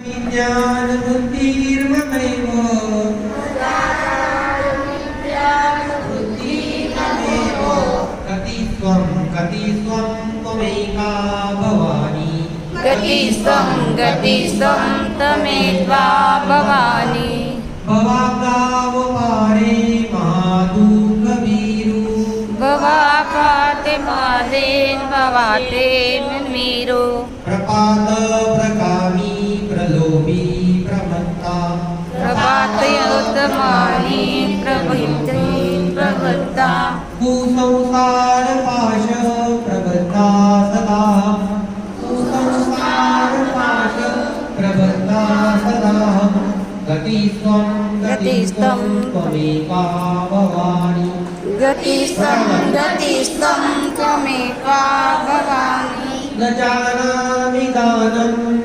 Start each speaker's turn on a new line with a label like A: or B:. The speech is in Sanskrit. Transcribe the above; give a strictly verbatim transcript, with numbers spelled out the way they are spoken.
A: विज्ञानबुद्धिर्ममैव गति त्वं गति त्वं त्वमेका भवानी
B: गतिस्त्वं गतिस्त्वं त्वमेका भवानी
A: भवाब्दावपारे महादुःखवीरु
B: भवापाते पादेन भवाते मीरो
A: प्रपात प्रकामी प्रलोभी प्रमत्ता
B: प्रभातयोत्तमानि प्रवृत्ति प्रवृत्ता
A: कुसंसार पाश प्रबद्धा सदा कुसंसार पाश प्रबद्धा सदा गतिस्त्वं गतिस्त्वं त्वमेका भवानी
B: गतिस्त्वं गतिस्त्वं त्वमेका भवानी
A: न जानामि दानं